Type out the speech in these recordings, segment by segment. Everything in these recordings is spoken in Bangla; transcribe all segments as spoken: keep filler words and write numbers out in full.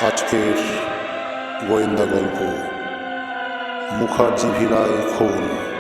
আজকের গোয়েন্দা গল্প মুখার্জি ভিলায় খুন,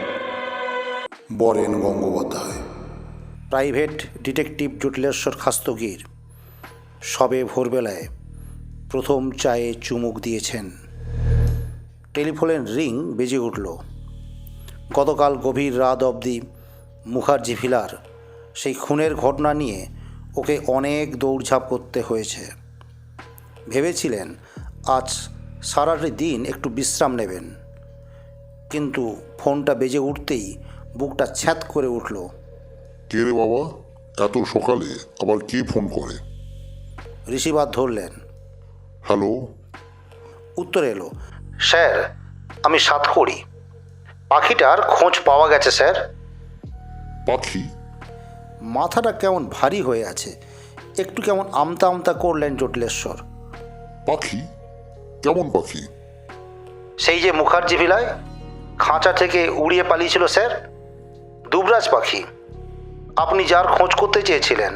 বরেন গঙ্গোপাধ্যায়। প্রাইভেট ডিটেকটিভ জটিলেশ্বর খাস্তগির সবে ভোরবেলায় প্রথম চায়ে চুমুক দিয়েছেন। টেলিফোনের রিং বেজে উঠল। গতকাল গভীর রাত অবধি মুখার্জি ভিলার সেই খুনের ঘটনা নিয়ে ওকে অনেক দৌড়ঝাঁপ করতে হয়েছে। ভেবেছিলেন আজ সারাটি দিন একটু বিশ্রাম নেবেন, কিন্তু ফোনটা বেজে উঠতেই বুকটা ছ্যাঁত করে উঠল। কে রে বাবা, এত সকালে আবার কে ফোন করে? রিসিভার ধরলেন। হ্যালো। উত্তর এলো, স্যার আমি সাতকড়ি। পাখিটার খোঁজ পাওয়া গেছে স্যার। পাখি? মাথাটা কেমন ভারী হয়ে আছে, একটু কেমন আমতা আমতা করলেন জটিলেশ্বর। পাখি? কেমন পাখি? সেই যে মুখার্জি ভিলায় খাঁচা থেকে উড়িয়ে পালিয়েছিল স্যার, দুবরাজ পাখি, আপনি যার খোঁজ করতে চেয়েছিলেন।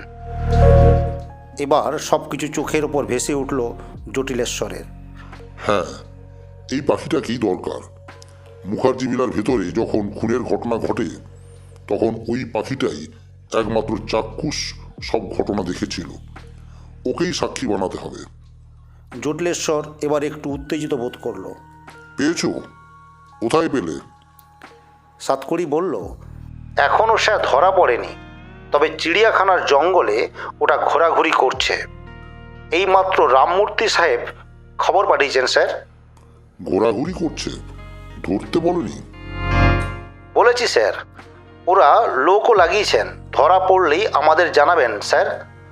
এবার সব কিছু চোখের ওপর ভেসে উঠল জটিলেশ্বরের। হ্যাঁ, এই পাখিটা কি দরকার? মুখার্জি ভিলার ভেতরে যখন খুনের ঘটনা ঘটে তখন ওই পাখিটাই একমাত্র চাক্ষুষ সব ঘটনা দেখেছিল। ওকেই সাক্ষী বানাতে হবে। জটিলেশ্বর এবার একটু উত্তেজিত বোধ করল। পেয়েছো? কোথায় পেলে? সাতকড়ি বলল, এখনও স্যার ধরা পড়েনি, তবে চিড়িয়াখানার জঙ্গলে ওটা ঘোরাঘুরি করছে। এইমাত্র রামমূর্তি সাহেব খবর পাঠিয়েছেন স্যার। ঘোরাঘুরি করছে? ধরতে বলেনি? বলেছি স্যার, ওরা লোকও লাগিয়েছেন, ধরা পড়লেই আমাদের জানাবেন স্যার।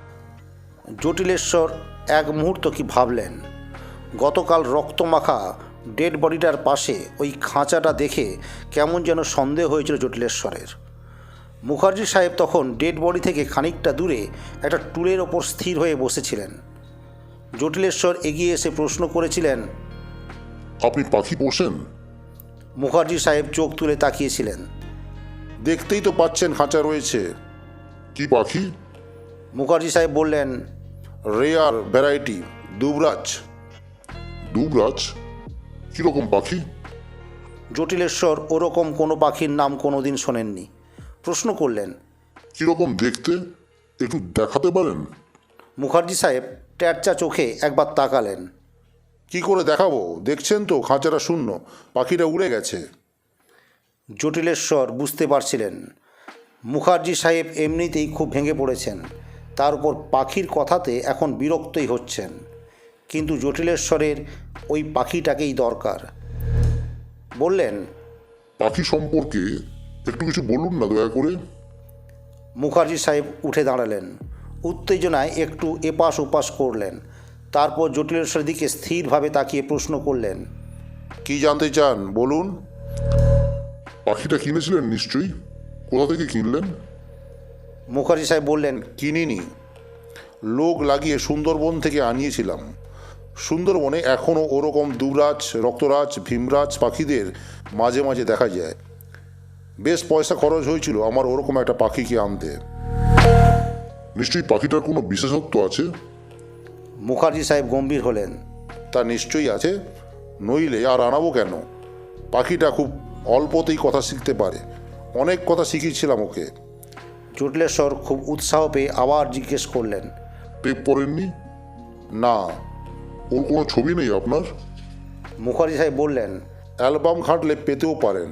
জটিলেশ্বর এক মুহূর্ত কি ভাবলেন। গতকাল রক্তমাখা ডেড বডিটার পাশে ওই খাঁচাটা দেখে কেমন যেন সন্দেহ হয়েছিল জটিলেশ্বরের। মুখার্জি সাহেব তখন ডেড বডি থেকে খানিকটা দূরে একটা টুলের ওপর স্থির হয়ে বসেছিলেন। জটিলেশ্বর এগিয়ে এসে প্রশ্ন করেছিলেন, আপনি পাখি পোষেন? মুখার্জি সাহেব চোখ তুলে তাকিয়েছিলেন। দেখতেই তো পাচ্ছেন খাঁচা রয়েছে। কি পাখি? মুখার্জি সাহেব বললেন, রেয়ার ভ্যারাইটি দুবরাজ। দুবরাজ? কিরকম পাখি? জটিলেশ্বর ওরকম কোনো পাখির নাম কোনো দিন শোনেননি। প্রশ্ন করলেন, কিরকম দেখতে, একটু দেখাতে পারেন? মুখার্জি সাহেব ট্যাটচা চোখে একবার তাকালেন। কি করে দেখাবো? দেখছেন তো খাঁচাটা শূন্য, পাখিটা উড়ে গেছে। জটিলেশ্বর বুঝতে পারছিলেন মুখার্জি সাহেব এমনিতেই খুব ভেঙে পড়েছেন, তার উপর পাখির কথাতে এখন বিরক্তই হচ্ছেন। কিন্তু জটিলেশ্বরের ওই পাখিটাকেই দরকার। বললেন, পাখি সম্পর্কে একটু কিছু বলুন না দয়া করে। মুখার্জি সাহেব উঠে দাঁড়ালেন, উত্তেজনায় একটু এপাশ ওপাশ করলেন। তারপর জটিলেশ্বরের দিকে স্থিরভাবে তাকিয়ে প্রশ্ন করলেন, কি জানতে চান বলুন। পাখিটা কিনেছিলেন নিশ্চয়ই? কোথা থেকে কিনলেন? মুখার্জি সাহেব বললেন, কিনিনি, লোক লাগিয়ে সুন্দরবন থেকে আনিয়েছিলাম। সুন্দরবনে এখনও ওরকম দুবরাজ, রক্তরাজ, ভীমরাজ পাখিদের মাঝে মাঝে দেখা যায়। বেশ পয়সা খরচ হয়েছিল আমার ওরকম একটা পাখিকে আনতে। নিশ্চয়ই পাখিটার কোনো বিশেষত্ব আছে? মুখার্জি সাহেব গম্ভীর হলেন। তা নিশ্চয়ই আছে, নইলে আর আনাবো কেন? পাখিটা খুব অল্পতেই কথা শিখতে পারে, অনেক কথা শিখিয়েছিলাম ওকে। জটিলেশ্বর খুব উৎসাহ পেয়ে আবার জিজ্ঞেস করলেন, টেপ পড়েননি? না। ওর কোনো ছবি নেই আপনার? মুখার্জি সাহেব বললেন, অ্যালবাম ঘাঁটলে পেতেও পারেন।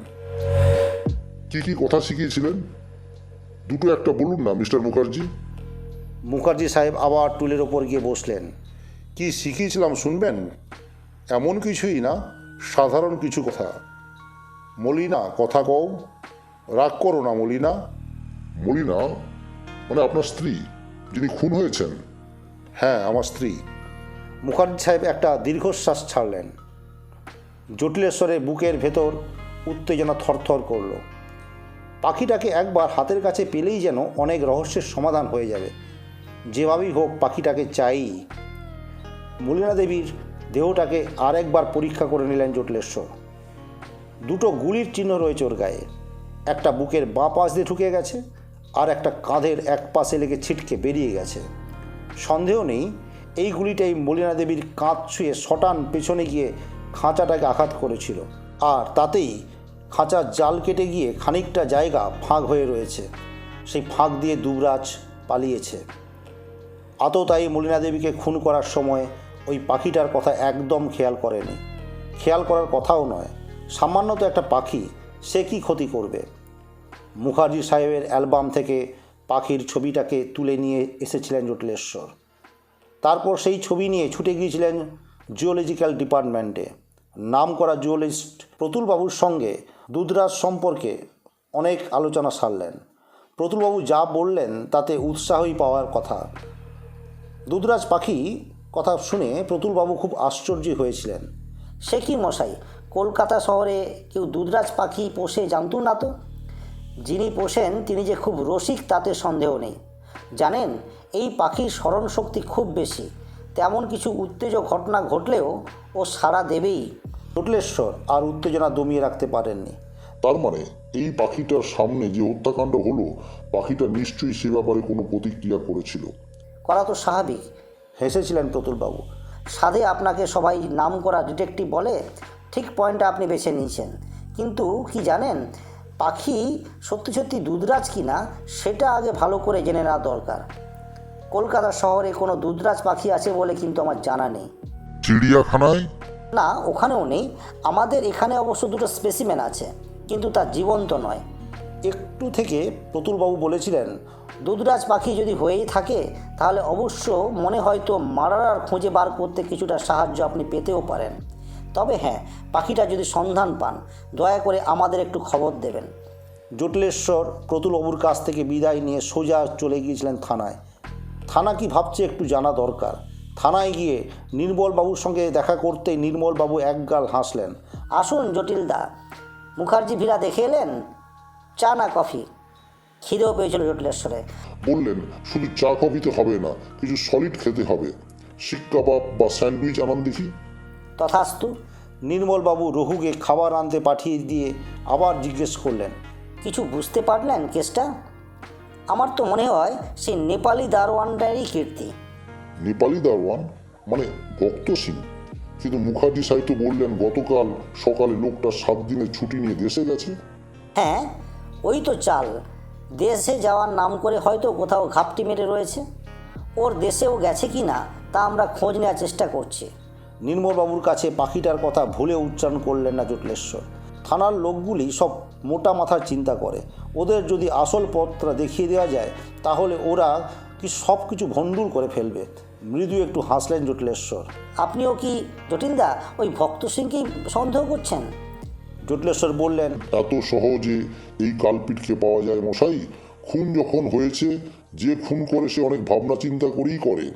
কি কি কথা শিখিয়েছিলেন? দুটো একটা বলুন না মিস্টার মুখার্জি। মুখার্জি সাহেব আবার টুলের ওপর গিয়ে বসলেন। কি শিখিয়েছিলাম শুনবেন? এমন কিছুই না, সাধারণ কিছু কথা। মলিনা, কথা কও, রাগ করো না মলিনা। মলিনা মানে আপনার স্ত্রী, যিনি খুন হয়েছেন? হ্যাঁ, আমার স্ত্রী। মুখার্জি সাহেব একটা দীর্ঘশ্বাস ছাড়লেন। জটিলেশ্বরের বুকের ভেতর উত্তেজনা থরথর করল। পাখিটাকে একবার হাতের কাছে পেলেই যেন অনেক রহস্যের সমাধান হয়ে যাবে। যেভাবেই হোক পাখিটাকে চাই। মলিনা দেবীর দেহটাকে আর একবার পরীক্ষা করে নিলেন জটিলেশ্বর। দুটো গুলির চিহ্ন রয়েছে ওর গায়ে, একটা বুকের বাঁ পাশ দিয়ে ঢুকে গেছে, আর একটা কাঁধের এক পাশে লেগে ছিটকে বেরিয়ে গেছে। সন্দেহ নেই এই গুলিটাই মলিনা দেবীর কাঁধ ছুঁয়ে শটান পেছনে গিয়ে খাঁচাটাকে আঘাত করেছিল, আর তাতেই খাঁচার জাল কেটে গিয়ে খানিকটা জায়গা ফাঁক হয়ে রয়েছে। সেই ফাঁক দিয়ে দুবরাজ পালিয়েছে। আততায়ী মলিনা দেবীকে খুন করার সময় ওই পাখিটার কথা একদম খেয়াল করেনি। খেয়াল করার কথাও নয়, সামান্য তো একটা পাখি, সে কি ক্ষতি করবে। মুখার্জি সাহেবের অ্যালবাম থেকে পাখির ছবিটাকে তুলে নিয়ে এসেছিলেন জটিলেশ্বর। তারপর সেই ছবি নিয়ে ছুটে গিয়েছিলেন জুওলজিক্যাল ডিপার্টমেন্টে। নাম করা জুওলজিস্ট প্রতুলবাবুর সঙ্গে দুধরাজ সম্পর্কে অনেক আলোচনা সারলেন। প্রতুলবাবু যা বললেন তাতে উৎসাহই পাওয়ার কথা। দুধরাজ পাখি কথা শুনে প্রতুলবাবু খুব আশ্চর্য হয়েছিলেন। সে কি মশাই, কলকাতা শহরে কেউ দুধরাজ পাখি পোষে জানতো না তো? যিনি পোষেন তিনি যে খুব রসিক তাতে সন্দেহ নেই। জানেন, এই পাখির স্মরণশক্তি খুব বেশি। তেমন কিছু উত্তেজক ঘটনা ঘটলেও ও সাড়া দেবেই। জটিলেশ্বর আর উত্তেজনা দমিয়ে রাখতে পারেননি। তার মানে এই পাখিটার সামনে যে হত্যাকাণ্ড হলো, পাখিটা নিশ্চয়ই সে ব্যাপারে কোনো প্রতিক্রিয়া করেছিল। করা তো স্বাভাবিক। হেসেছিলেন প্রতুলবাবু। সাধে আপনাকে সবাই নাম করা ডিটেকটিভ বলে, ঠিক পয়েন্টটা আপনি বেছে নিয়েছেন। কিন্তু কি জানেন, পাখি সত্যি সত্যি দুধরাজ কি না সেটা আগে ভালো করে জেনে নেওয়া দরকার। কলকাতা শহরে কোনো দুধরাজ পাখি আছে বলে কিন্তু আমার জানা নেই। চিড়িয়াখানায়? না, ওখানেও নেই। আমাদের এখানে অবশ্য দুটো স্পেসিমেন আছে, কিন্তু তা জীবন্ত নয়। একটু থেকে প্রতুলবাবু বলেছিলেন, দুধরাজ পাখি যদি হয়েই থাকে তাহলে অবশ্য মনে হয়তো মারার খুঁজে বার করতে কিছুটা সাহায্য আপনি পেতেও পারেন। তবে হ্যাঁ, পাখিটা যদি সন্ধান পান দয়া করে আমাদের একটু খবর দেবেন। জটিলেশ্বর প্রতুলবাবুর কাছ থেকে বিদায় নিয়ে সোজা চলে গিয়েছিলেন থানায়। থানা কি ভাবছে একটু জানা দরকার। থানায় গিয়ে নির্মলবাবুর সঙ্গে দেখা করতেই নির্মলবাবু একগাল হাসলেন। আসুন জটিলদা, মুখার্জি ভিলা দেখে এলেন? চা না কফি? খিদেও পেয়েছিল জটিলেশ্বরে। বললেন, শুধু চা কফিতে হবে না, কিছু সলিড খেতে হবে। শিক কাবাব বা স্যান্ডউইচ আনান দেখি। তথাস্তু। নির্মলবাবু রঘুকে খাবার আনতে পাঠিয়ে দিয়ে আবার জিজ্ঞেস করলেন, কিছু বুঝতে পারলেন কেসটা? আমার তো মনে হয় সেই নেপালি দারোয়ানটারই কীর্তি। নেপালি দারোয়ান মানে ভক্ত সিং? কিন্তু মুখার্জি সাহেব তো বললেন গতকাল সকালে লোকটা সাত দিনের ছুটি নিয়ে দেশে গেছে। হ্যাঁ, ওই তো চাল। দেশে যাওয়ার নাম করে হয়তো কোথাও ঘাপটি মেরে রয়েছে। ওর দেশেও গেছে কি না তা আমরা খোঁজ নেওয়ার চেষ্টা করছি। নির্মলবাবুর কাছে পাখিটার কথা ভুলে উচ্চারণ করলেন না জটিলেশ্বর। থানার লোকগুলি সব মোটা মাথার চিন্তা করে। ওদের যদি আসল পথটা দেখিয়ে দেওয়া যায় তাহলে ওরা কি সব কিছু ভণ্ডুল করে ফেলবে। মৃদু একটু হাসলেন জটিলেশ্বর। আপনিও কি জটিলদা ওই ভক্ত সিংকেই সন্দেহ করছেন? জটিলেশ্বর বললেন, এত সহজে এই কালপিটকে পাওয়া যায় মশাই? খুন যখন হয়েছে, যে খুন করে সে অনেক ভাবনা চিন্তা করেই করে।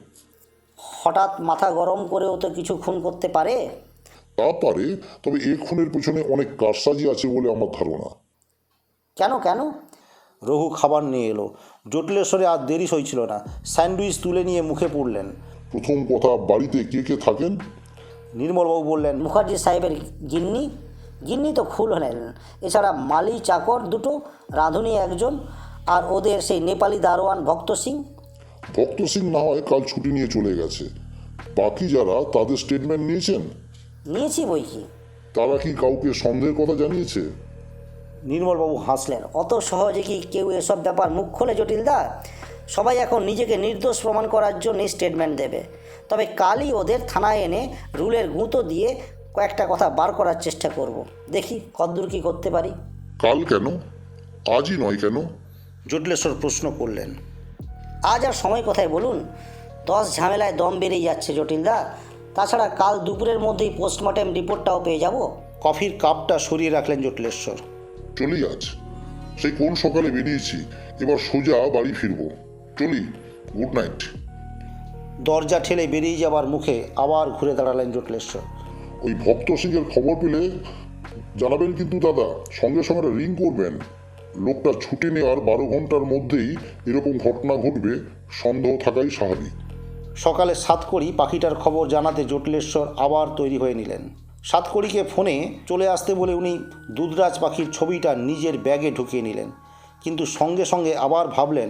হঠাৎ মাথা গরম করেও তো কিছু খুন করতে পারে। তা পারে, তবে এ খুনের পেছনে অনেক কারসাজি আছে বলে আমার ধারণা। কেন কেন? রঘু খাবার নিয়ে এলো। জটিলেশ্বরে আর দেরি হয়েছিল না। স্যান্ডউইচ তুলে নিয়ে মুখে পুরলেন। প্রথম কথা, বাড়িতে কে কে থাকেন? নির্মলবাবু বললেন, মুখার্জি সাহেবের গিন্নি। গিন্নি তো খুল হলেন। এছাড়া মালি চাকর দুটো, রাঁধুনি একজন, আর ওদের সেই নেপালি দারোয়ান ভক্ত সিং। ভক্ত সিং না হয় কাল ছুটি নিয়ে চলে গেছে। বাকি যারা, তাদের স্টেটমেন্ট নিয়েছেন? নিয়েছি বই কি। তারা কি কাউকে সন্দেহের কথা জানিয়েছে? নির্মলবাবু হাসলেন। অত সহজে কি কেউ এসব ব্যাপার মুখ খোলে জটিলদা? সবাই এখন নিজেকে নির্দোষ প্রমাণ করার জন্য স্টেটমেন্ট দেবে। তবে কালই ওদের থানায় এনে রুলের গুঁতো দিয়ে কয়েকটা কথা বার করার চেষ্টা করব। দেখি কতদূর কী করতে পারি। কাল কেন? আজই নয় কেন? জটিলেশ্বর প্রশ্ন করলেন। আজ আর সময় কোথায় বলুন? দশ ঝামেলায় দম বেরিয়ে যাচ্ছে জটিলদা। তাছাড়া কাল দুপুরের মধ্যেই পোস্টমর্টেম রিপোর্টটাও পেয়ে যাব। কফির কাপটা সরিয়ে রাখলেন জটিলেশ্বর। চলি আজ। সেই কোন সকালে বেরিয়েছি, এবার সোজা বাড়ি ফিরবো। চলি, গুড নাইট। দরজা ঠেলে বেরিয়ে যাবার মুখে আবার ঘুরে দাঁড়ালেন জটিলেশ্বর। ওই ভক্ত সিংয়ের খবর পেলে জানাবেন কিন্তু দাদা, সঙ্গে সঙ্গে রিং করবেন। লোকটা ছুটি নেওয়ার বারো ঘন্টার মধ্যেই এরকম ঘটনা ঘটবে, সন্দেহ থাকাই স্বাভাবিক। সকালে সাতকড়ি পাখিটার খবর জানাতে জটিলেশ্বর আবার তৈরি হয়ে নিলেন। সাতকড়িকে ফোনে চলে আসতে বলে উনি দুধরাজ পাখির ছবিটা নিজের ব্যাগে ঢুকিয়ে নিলেন। কিন্তু সঙ্গে সঙ্গে আবার ভাবলেন,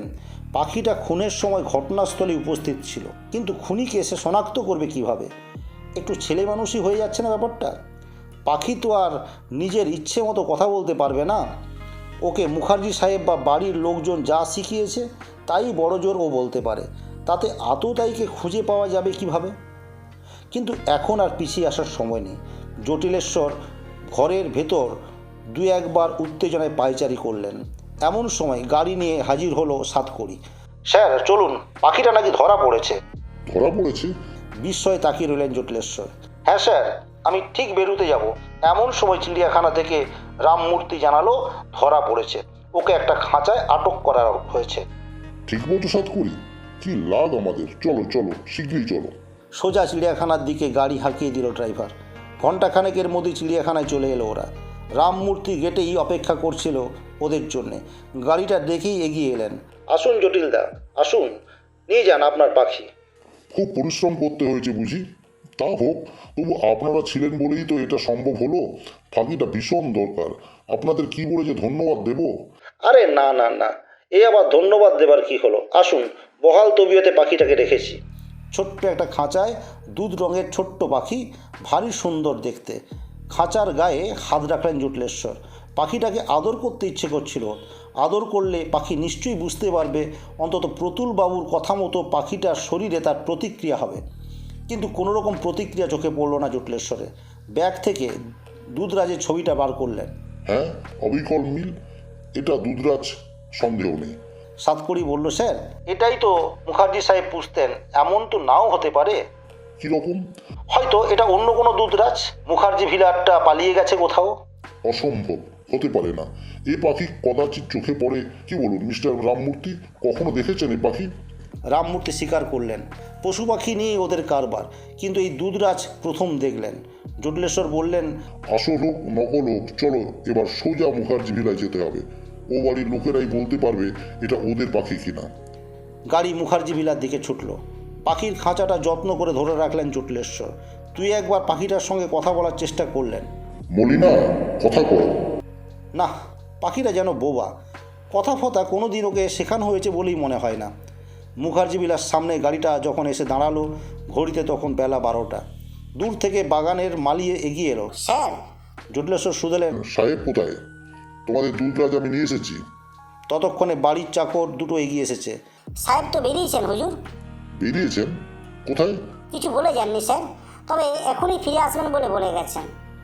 পাখিটা খুনের সময় ঘটনাস্থলে উপস্থিত ছিল, কিন্তু খুনিকে সে শনাক্ত করবে কিভাবে? একটু ছেলে মানুষই হয়ে যাচ্ছে না ব্যাপারটা? পাখি তো আর নিজের ইচ্ছে মতো কথা বলতে পারবে না। ওকে মুখার্জি সাহেব বা বাড়ির লোকজন যা শিখিয়েছে তাই বড় জোর ও বলতে পারে, তাতে আততায়ীকে খুঁজে পাওয়া যাবে কিভাবে? কিন্তু এখন আর পিছিয়ে আসার সময় নেই। জটিলেশ্বর ঘরের ভেতর দু একবার উত্তেজনায় পায়চারি করলেন। এমন সময় গাড়ি নিয়ে হাজির হলো সাতকড়ি। স্যার চলুন, পাখিটা নাকি ধরা পড়েছে। ধরা পড়েছে? বিস্ময়ে তাকিয়ে রইলেন জটিলেশ্বর। হ্যাঁ স্যার, আমি ঠিক বেরোতে যাব, এমন সময় চিড়িয়াখানা থেকে রামমূর্তি জানালো ধরা পড়েছে, ওকে একটা খাঁচায় আটক করা হয়েছে। ঠিক মতো সাত করি, কি লাগ আমাদের, চলো চলো শীঘ্রই চলো। সোজা চিড়িয়াখানার দিকে গাড়ি হাঁকিয়ে দিল ড্রাইভার। ঘণ্টাখানেকের মধ্যে চিড়িয়াখানায় চলে এলো ওরা। রামমূর্তি গেটেই অপেক্ষা করছিল ওদের জন্যে। গাড়িটা দেখেই এগিয়ে এলেন। আসুন জটিলদা, আসুন, নিয়ে যান আপনার পাখি। খুব পরিশ্রম করতে হয়েছে বুঝি? তা হোক, তবু আপনারা ছিলেন বলেই তো এটা সম্ভব হলো। পাখিটা ভীষণ দরকার, আপনাদের কি বলে যে ধন্যবাদ দেব। আরে না না না, এ আবার ধন্যবাদ দেবার কি হলো? আসুন, বহাল তবিয়তে পাখিটাকে রেখেছি। ছোট্ট একটা খাঁচায় দুধ রঙের ছোট্ট পাখি, ভারী সুন্দর দেখতে। খাঁচার গায়ে হাত রাখলেন জটিলেশ্বর। পাখিটাকে আদর করতে ইচ্ছে করছিল। আদর করলে পাখি নিশ্চয়ই বুঝতে পারবে, অন্তত প্রতুল বাবুর কথা মতো পাখিটার শরীরে তার প্রতিক্রিয়া হবে। কিন্তু কোনো রকম প্রতিক্রিয়া চোখে পড়ল না জটিলেশ্বরে। ব্যাগ থেকে দুধরাজের ছবিটা বার করলেন। হ্যাঁ, অবিকল মিল, এটা দুধরাজ, সন্দেহ নেই। সাতকড়ি বলল, স্যার এটাই তো মুখার্জি সাহেব পুষতেন, এমন তো নাও হতে পারে। কিরকম? হয়তো এটা অন্য কোনো দুধরাজ, মুখার্জি ভিলারটা পালিয়ে গেছে কোথাও। অসম্ভব, হতে পারে না। এই পাখি কদাচিৎ চোখে পড়ে। কি বলুন মিস্টার রামমূর্তি, কখনো দেখেছেন এই পাখি? রামমূর্তি স্বীকার করলেন, পশু পাখি নিয়ে ওদের কারবার, কিন্তু এই দুধরাজ প্রথম দেখলেন। জটিলেশ্বর বললেন, আসল হোক নকল হোক, চলো এবার সোজা মুখার্জি ভিলায় যেতে হবে। ও বাড়ির লোকেরাই বলতে পারবে এটা ওদের পাখি কিনা। গাড়ি মুখার্জি ভিলার দিকে ছুটল। পাখির খাঁচাটা যত্ন করে ধরে রাখলেন জটিলেশ্বর। তুই একবার পাখিটার সঙ্গে কথা বলার চেষ্টা করলেন। মলিনা, কথা কর। না, পাখিটা যেন বোবা, কথা ফথা কোনো দিন ওকে শেখানো হয়েছে বলেই মনে হয় না। মুখার্জি বিলার সামনে গাড়িটা যখন এসে দাঁড়ালো, ঘড়িতে তখন বেলা বারোটা। দূর থেকে বাগানের মালিয়ে এগিয়ে এলো। স্যার, জটিলেশ্বর শুধলেন। সাহেব কোথায়? তোমাদের দুধরাজ আমি নিয়ে এসেছি। ততক্ষণে বাড়ির চাকর দুটো এগিয়ে এসেছে। সাহেব তো বেরিয়েছেন হুজুর। বেরিয়েছেন? কোথায়? কিছু বলে যাননি স্যার, তবে এখনই ফিরে আসবেন বলে বলে গেছেন।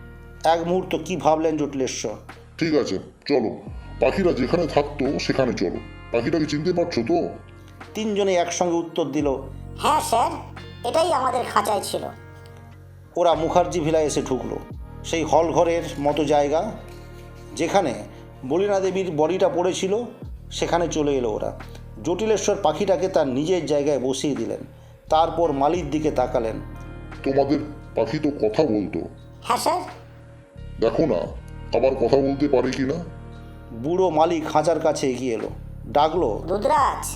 এক মুহূর্ত কি ভাবলেন জটিলেশ্বর। ঠিক আছে, চলো, পাখিরা যেখানে থাকতো সেখানে চলো। পাখিটাকে চিনতে পারছো তো? তিনজনে একসঙ্গে উত্তর দিল, হ্যাঁ স্যার, এটাই আমাদের খাঁচায় ছিল। ওরা মুখার্জি ভিলায় এসে ঢুকলো। সেই হল ঘরের মতো জায়গা, যেখানে বলিনা দেবীর বডিটা পড়েছিল, সেখানে চলে এলো ওরা। জটিলেশ্বর পাখিটাকে তার নিজের জায়গায় বসিয়ে দিলেন। তারপর মালির দিকে তাকালেন। তোমাদের পাখি তো কথা বলতো, হ্যাঁ স্যার। দেখো না আবার কথা বলতে পারে কি না। বুড়ো মালি খাঁচার কাছে এগিয়ে এলো, ডাকলো, দুধরাজ।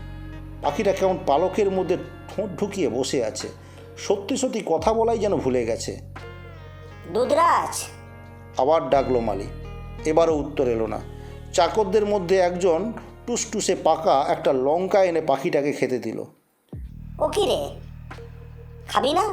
পাখিটা কেমন পালকের মধ্যে ঠোঁট ঢুকিয়ে বসে আছে, সত্যি সত্যি কথা বলাই যেন ভুলে গেছে। দুধরাজ। আবার ডাকলো মালি, এবারও উত্তর এলো না। চাকরদের মধ্যে একজন টুসটুসে পাকা একটা লঙ্কা এনে পাখিটাকে খেতে দিল। ও কি রে, খাবি না?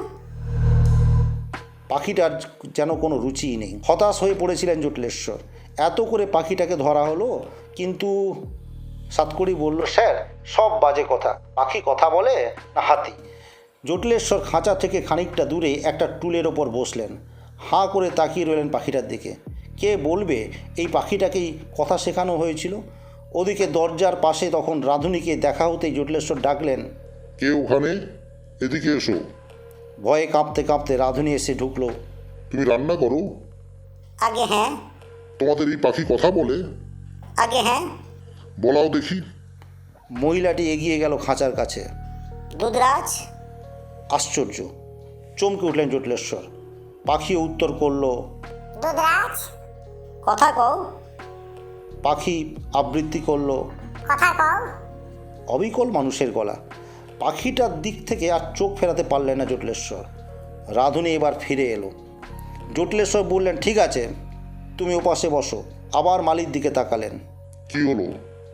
পাখিটার যেন কোনো রুচিই নেই। হতাশ হয়ে পড়েছিলেন জটিলেশ্বর। এত করে পাখিটাকে ধরা হলো, কিন্তু সাতকড়ি বলল, স্যার সব বাজে কথা, পাখি কথা বলে না হাতি? জটিলেশ্বর খাঁচা থেকে খানিকটা দূরে একটা টুলের ওপর বসলেন। হাঁ করে তাকিয়ে রইলেন পাখিটার দিকে। কে বলবে এই পাখিটাকেই কথা শেখানো হয়েছিল? ওদিকে দরজার পাশে তখন রাঁধুনিকে দেখা হতেই জটিলেশ্বর ডাকলেন, কে ওখানে? এদিকে এসো। ভয়ে কাঁপতে কাঁপতে রাঁধুনি এসে ঢুকলো। তুমি রান্না করো? আগে হ্যাঁ। তোমাদের এই পাখি কথা বলে? আগে হ্যাঁ। বলাও দেখি। মহিলাটি এগিয়ে গেল খাঁচার কাছে। দুধরাজ। আশ্চর্য, চমকে উঠলেন জটিলেশ্বর। পাখিও উত্তর করল, দুধরাজ। কথা কও। পাখি আবৃত্তি করল, কথা কও। অবিকল মানুষের গলা। পাখিটার দিক থেকে আর চোখ ফেরাতে পারলেন না জটিলেশ্বর। রাঁধুনি এবার ফিরে এলো। জটিলেশ্বর বললেন, ঠিক আছে, তুমি ওপাশে বসো। আবার মালির দিকে তাকালেন। কি হলো?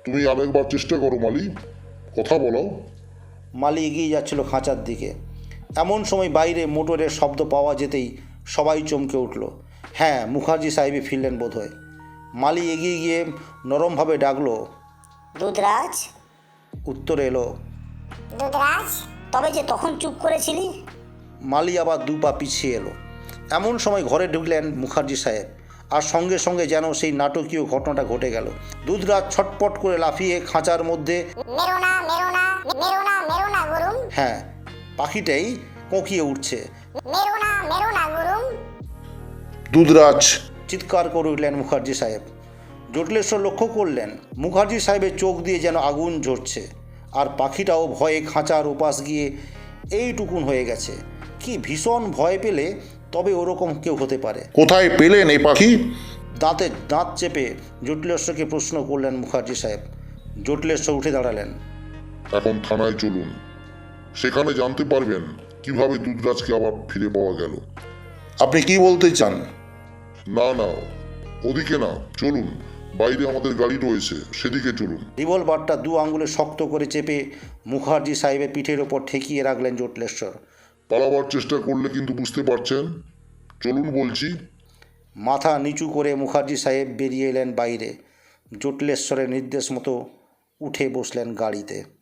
তুমি আরেকবার চেষ্টা করো মালি, কথা বলো। মালি এগিয়ে যাচ্ছিল খাঁচার দিকে। এমন সময় বাইরে মোটরের শব্দ পাওয়া যেতেই সবাই চমকে উঠল। হ্যাঁ, মুখার্জি সাহেবই ফিরলেন বোধহয়। মালি এগিয়ে গিয়ে নরমভাবে ডাকলো। দুধরাজ, উত্তর এলো, দুধরাজ, তবে যে তখন চুপ করেছিলি? মালি আবার দু পা পিছিয়ে এলো। এমন সময় ঘরে ঢুকলেন মুখার্জি সাহেব, আর সঙ্গে সঙ্গে যেন সেই নাটকীয় ঘটনাটা ঘটে গেল। দুধরাজ ছটপট করে লাফিয়ে খাঁচার মধ্যে, মেরো না, মেরো না, মেরো না, মেরো না গুরুম, হ্যাঁ, পাখিটাই কোঁকিয়ে উঠছে। মেরো না, মেরো না গুরুম। দুধরাজ চিৎকার করে উঠলেন মুখার্জি সাহেব। জটিলেশ্বর লক্ষ্য করলেন মুখার্জি সাহেবের চোখ দিয়ে যেন আগুন ঝরছে, আর পাখিটাও ভয়ে খাঁচার উপাস গিয়ে এইটুকুন হয়ে গেছে। কি ভীষণ ভয় পেলে তবে ওরকম কেউ হতে পারে। কোথায় পেলেন এই পাখি? দাঁতে দাঁত চেপে জটিলেশ্বরকে প্রশ্ন করলেন মুখার্জি সাহেব। জটিলেশ্বর উঠে দাঁড়ালেন। এখন থানায় চলুন, সেখানে জানতে পারবেন কিভাবে দুধরাজকে আবার ফিরে পাওয়া গেল। আপনি কি বলতে চান? না না, ওদিকে না, চলুন, বাইরে আমাদের গাড়ি রয়েছে, সেদিকে চলুন। রিভলভারটা দু আঙুলে শক্ত করে চেপে মুখার্জি সাহেবের পিঠের ওপর ঠেকিয়ে রাখলেন জটিলেশ্বর। পালাবার চেষ্টা করলে কিন্তু বুঝতে পারছেন, চলুন বলছি। মাথা নিচু করে মুখার্জি সাহেব বেরিয়ে এলেন বাইরে। জটিলেশ্বরের নির্দেশ মতো উঠে বসলেন গাড়িতে।